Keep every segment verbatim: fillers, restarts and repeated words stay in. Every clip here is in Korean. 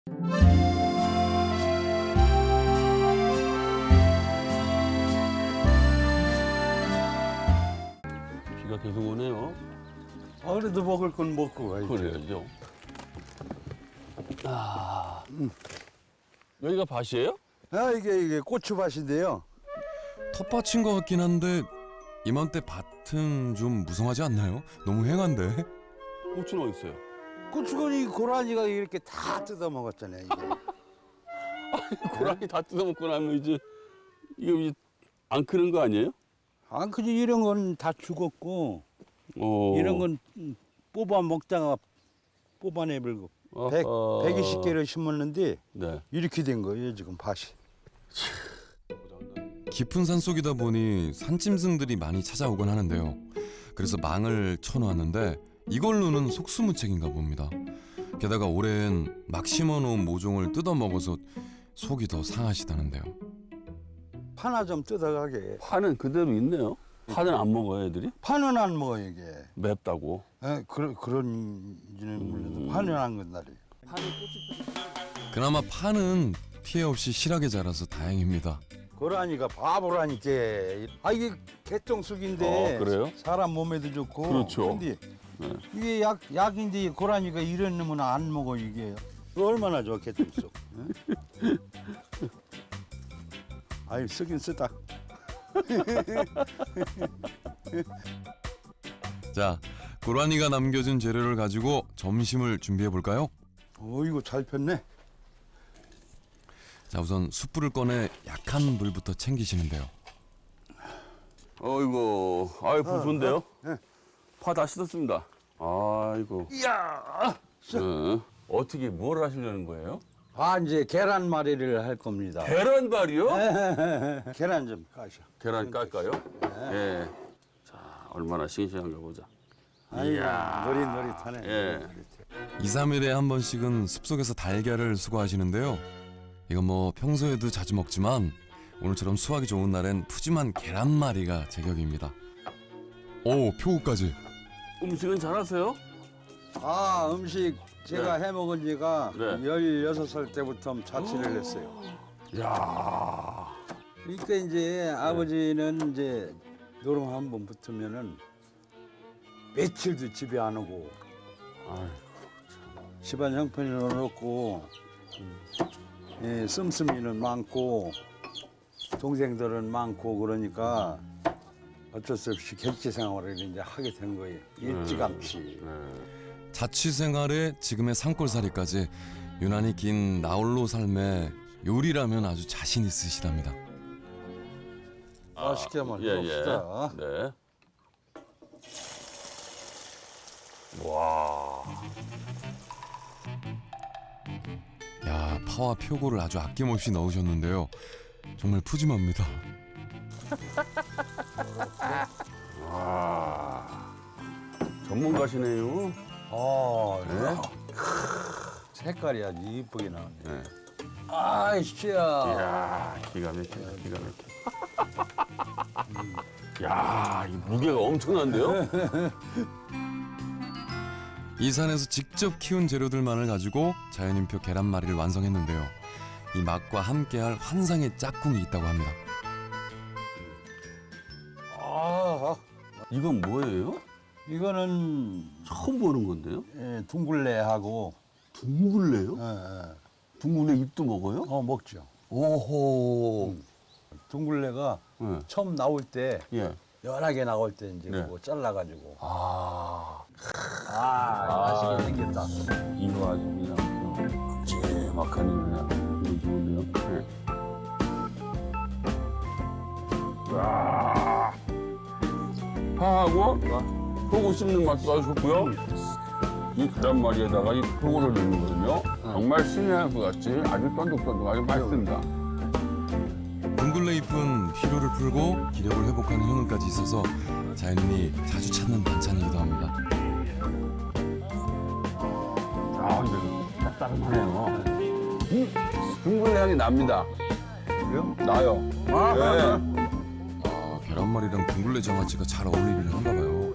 비가 계속 오네요. 아, 그래도 먹을 건 먹고 가야지. 그래야죠. 아, 여기가 밭이에요? 아, 이게, 이게 고추밭인데요. 텃밭인 것 같긴 한데 이맘때 밭은 좀 무성하지 않나요? 너무 휑한데. 고추는 어디 있어요? 고추건이 고라니가 이렇게 다 뜯어 먹었잖아요, 이게. 고라니 다 뜯어먹고 나면 이제 이거 이제 안 크는 거 아니에요? 안 크지, 이런 건 다 죽었고, 어. 이런 건 뽑아 먹다가 뽑아내버리고. 백, 아하. 백이십 개를 심었는데, 네. 이렇게 된 거예요, 지금 밭이. 깊은 산속이다 보니 산짐승들이 많이 찾아오곤 하는데요. 그래서 망을 쳐놓았는데 이걸로는 속수무책인가 봅니다. 게다가 올해는 막 심어놓은 모종을 뜯어먹어서 속이 더 상하시다는데요. 파나 좀 뜯어가게. 파는 그대로 있네요. 파는 안 먹어요, 애들이? 파는 안 먹어, 이게. 맵다고. 에, 그런, 그런지는 몰라도 파는 안 건다리. 그나마 파는 피해 없이 실하게 자라서 다행입니다. 고라니가 바보라니까. 아, 이게 개똥쑥인데. 아, 그래요? 사람 몸에도 좋고. 그렇죠. 근데 네. 이게 약, 약인데 고라니가 이런 놈은 안 먹어, 이게. 얼마나 좋아, 개똥쑥. 응? 아이, 쓰긴 쓰다. 자, 고라니가 남겨준 재료를 가지고 점심을 준비해 볼까요? 어, 이거 잘 폈네. 자, 우선 숯불을 꺼내 약한 불부터 챙기시는데요. 어이구, 아이 불 좋은데요? 네. 파 다 씻었습니다. 아이고. 이야! 네. 어떻게 뭘 하시려는 거예요? 아, 이제 계란말이를 할 겁니다. 계란발이요? 계란 좀 까셔. 계란 깔까요? 예. 자, 얼마나 싱싱한가 보자. 아이고, 이야. 노릿노릿하네. 예. 노릿노릿해. 이, 삼 일에 한 번씩은 숲속에서 달걀을 수거하시는데요. 이건 뭐 평소에도 자주 먹지만 오늘처럼 수확이 좋은 날엔 푸짐한 계란말이가 제격입니다. 오, 표고까지. 음식은 잘하세요? 아, 음식 제가 해먹은 지가 네. 열여섯 살 때부터 자취를 했어요. 야. 그러니까 이제 아버지는 이제 노름 한 번 붙으면은 며칠도 집에 안 오고 아이고. 집안 형편이 어렵고 예, 씀씀이는 많고 동생들은 많고 그러니까 어쩔 수 없이 객지 생활을 이제 하게 된 거예요. 일찌감치. 네. 자취 생활에 지금의 산골살이까지 유난히 긴 나홀로 삶에 요리라면 아주 자신 있으시답니다. 맛있게 한번 예, 해봅시다. 예. 네. 와. 야, 파와 표고를 아주 아낌없이 넣으셨는데요. 정말 푸짐합니다. 와. 전문가시네요. 아, 네. 색깔이 아주 이쁘게 나오네. 네. 아이씨야. 이야, 기가 막히다, 기가 막혀. 야, 이 무게가 엄청난데요? 이 산에서 직접 키운 재료들만을 가지고 자연인표 계란말이를 완성했는데요. 이 맛과 함께할 환상의 짝꿍이 있다고 합니다. 아, 이건 뭐예요? 이거는 처음 보는 건데요? 예, 둥글레하고 둥글레요? 예, 예. 둥글레 잎도 먹어요? 어 먹죠. 오호. 둥글레가 네. 처음 나올 때 예. 연하게 나올 때 이제 네. 그거 잘라가지고 아, 아, 맛있게 생겼다. 이거 아주 그냥 큼지막하니 그냥 이거 좋은데요? 네. 와. 파하고 표고 씹는 맛도 아주 좋고요. 이 계란말이에다가 이 표고를 넣는 거거든요. 정말 신의 한 것 같이 아주 쫀득쫀득하게 맛있습니다. 둥글레 잎은 피로를 풀고 기력을 회복하는 효능까지 있어서 자연인이 자주 찾는 반찬이기도 합니다. 아, 근데 짭짤하네요. 음, 둥글레 향이 납니다. 그래요? 나요. 아, 네. 아, 계란말이랑 둥글레 장아찌가 잘 어울리긴 한가 봐요.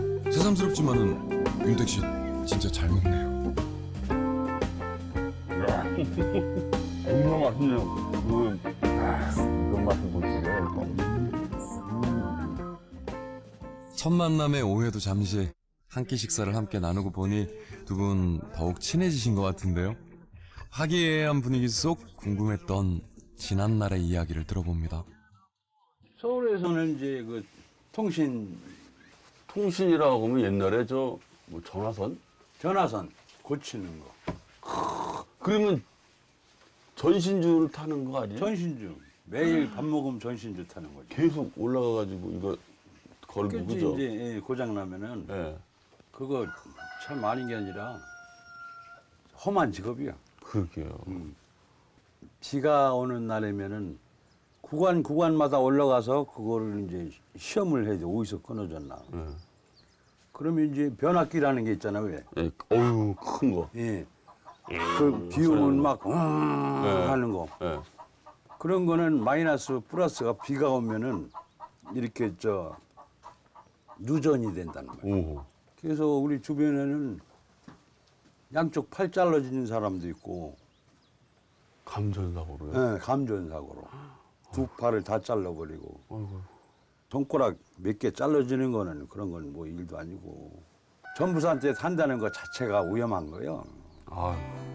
새삼스럽지만은 윤택 씨 진짜 잘 먹네요. 야, 정말 맛있네요. 그, 아, 이런 맛을 보시죠. 첫 만남의 오해도 잠시 한 끼 식사를 함께 나누고 보니 두 분 더욱 친해지신 것 같은데요. 화기애애한 분위기 속 궁금했던 지난날의 이야기를 들어봅니다. 서울에서는 이제 그 통신 통신이라고 하면 옛날에 저 뭐 전화선? 전화선 고치는 거. 그러면 전신주를 타는 거 아니에요? 전신주. 매일 밥 먹으면 전신주 타는 거죠. 계속 올라가가지고 이거 걸고 그치, 그죠? 이제 예, 고장 나면은 예. 그거 참 아닌 게 아니라 험한 직업이야. 그러게요. 비가 오는 날이면은 구간 구간마다 올라가서 그거를 이제 시험을 해야 돼. 어디서 끊어졌나. 예. 그러면 이제 변압기라는 게 있잖아, 왜? 예. 어유 큰 거. 예. 그 비 오면 막 음, 하는 거. 예. 그런 거는 마이너스 플러스가 비가 오면은 이렇게 저 누전이 된다는 거야. 오. 그래서 우리 주변에는 양쪽 팔 잘라지는 사람도 있고, 감전사고로요? 예, 감전사고로 두 팔을 다 잘라버리고, 아이고. 손가락 몇 개 잘라지는 거는 그런 건 뭐 일도 아니고, 전부사한테 산다는 것 자체가 위험한 거예요. 아,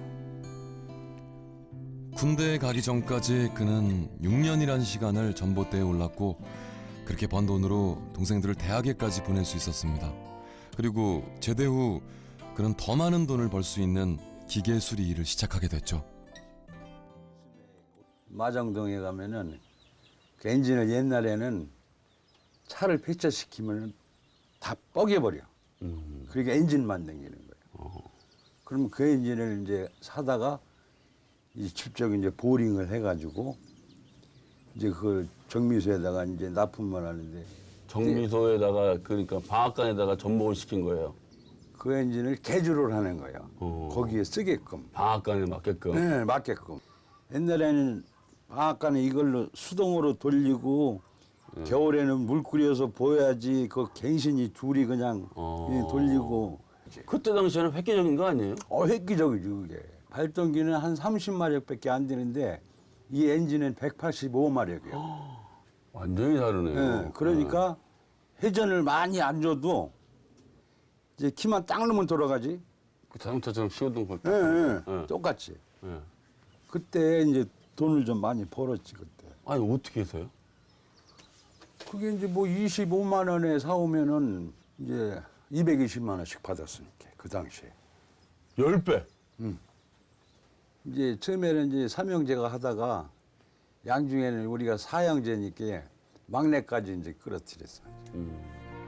군대에 가기 전까지 그는 육 년이란 시간을 전봇대에 올랐고 그렇게 번 돈으로 동생들을 대학에까지 보낼 수 있었습니다. 그리고 제대 후 그는 더 많은 돈을 벌 수 있는 기계 수리 일을 시작하게 됐죠. 마정동에 가면은 그 엔진을 옛날에는 차를 폐차시키면 다 뻐개버려. 음. 그러니까 엔진만 당기는 거예요. 그러면 그 엔진을 이제 사다가 이 직접 이제 보링을 해가지고 이제 그걸 정미소에다가 이제 납품을 하는데 정미소에다가 그러니까 방앗간에다가 전복을 시킨 거예요. 그 엔진을 개조를 하는 거예요. 어. 거기에 쓰게끔. 방앗간에 맞게끔. 네, 맞게끔. 옛날에는 방앗간에 이걸로 수동으로 돌리고 겨울에는 물 끓여서 보여야지 그 갱신이 둘이 그냥 어. 예, 돌리고. 그때 당시에는 획기적인 거 아니에요? 어, 획기적이지 그게. 발동기는 한 삼십 마력밖에 안 되는데 이 엔진은 백팔십오 마력이에요. 완전히 다르네요. 예, 그러니까 회전을 많이 안 줘도 이제 키만 딱 넣으면 돌아가지. 그 자동차처럼 시운동 걸 때. 예, 예, 예. 똑같이. 예. 그때 이제 돈을 좀 많이 벌었지 그때. 아니 어떻게 해서요? 그게 이제 뭐 이십오만 원에 사오면은 이제 이백이십만 원씩 받았으니까 그 당시에. 열 배. 이제 처음에는 이제 삼형제가 하다가 양중에는 우리가 사형제니까 막내까지 이제 끌어들였어. 음.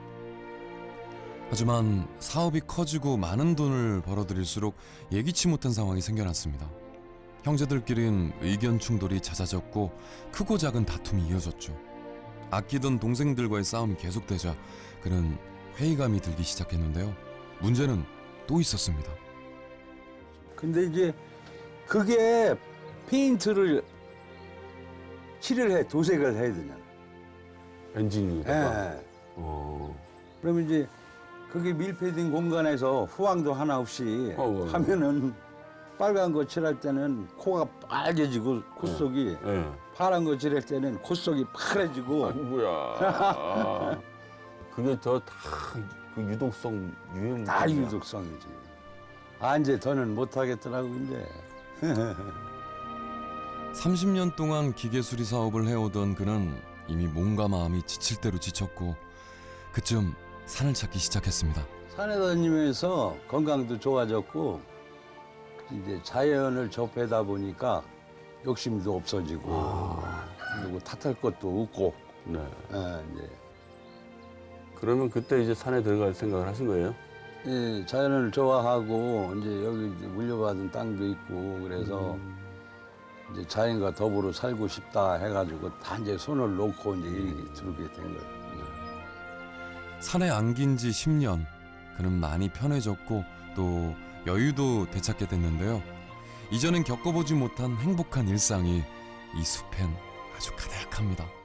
하지만 사업이 커지고 많은 돈을 벌어들일수록 예기치 못한 상황이 생겨났습니다. 형제들끼린 의견 충돌이 잦아졌고 크고 작은 다툼이 이어졌죠. 아끼던 동생들과의 싸움이 계속되자 그는 회의감이 들기 시작했는데요. 문제는 또 있었습니다. 근데 이제 그게 페인트를 칠을 해, 도색을 해야 되냐. 엔진이다가. 예. 어. 그러면 이제 그게 밀폐된 공간에서 후황도 하나 없이 어, 어, 어. 하면은 빨간 거 칠할 때는 코가 빨개지고 콧속이 예. 파란 거 칠할 때는 콧속이 파래지고 아이고야. 아. 그게 저 다 그 유독성 유행. 다 유독성이지. 아 이제 더는 못 하겠더라고 이제. 삼십 년 동안 기계 수리 사업을 해오던 그는 이미 몸과 마음이 지칠 대로 지쳤고 그쯤 산을 찾기 시작했습니다. 산에 다니면서 건강도 좋아졌고 이제 자연을 접하다 보니까 욕심도 없어지고 그리고 탓할 것도 없고. 네. 예, 이제 그러면 그때 이제 산에 들어갈 생각을 하신 거예요? 예, 자연을 좋아하고 이제 여기 이제 물려받은 땅도 있고 그래서 이제 자연과 더불어 살고 싶다 해가지고 다 이제 손을 놓고 이제 이렇게 들게 된 거예요. 산에 안긴 지 십 년. 그는 많이 편해졌고 또 여유도 되찾게 됐는데요. 이전엔 겪어보지 못한 행복한 일상이 이 숲엔 아주 가득합니다.